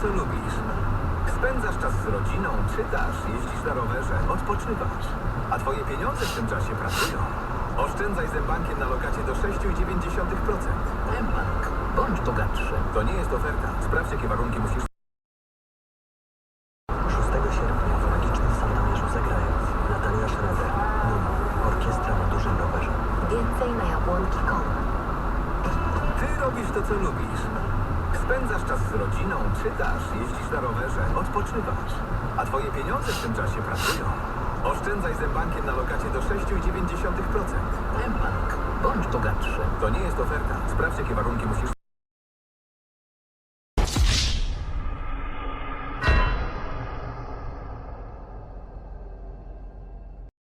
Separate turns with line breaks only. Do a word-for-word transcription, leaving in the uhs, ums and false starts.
co lubisz. Spędzasz czas z rodziną, czytasz, jeździsz na rowerze, odpoczywasz. A twoje pieniądze w tym czasie pracują. Oszczędzaj z mBankiem na lokacie do sześć przecinek dziewięć procent.
mBank. Bądź bogatszy.
To nie jest oferta. Sprawdź, jakie warunki musisz...
szóstego sierpnia w Magicznym Sandomierzu zagrają Natalia Schroeder, Nuno, orkiestra na dużym rowerze.
Więcej na jabłonki kropka com.
Ty robisz to, co lubisz. Spędzasz czas z rodziną, czytasz, jeździsz na rowerze, odpoczywasz. A twoje pieniądze w tym czasie pracują. Oszczędzaj z mBankiem na lokacie do sześć przecinek dziewięć procent.
mBank. Bądź bogatszy.
To nie jest oferta. Sprawdź, jakie warunki musisz...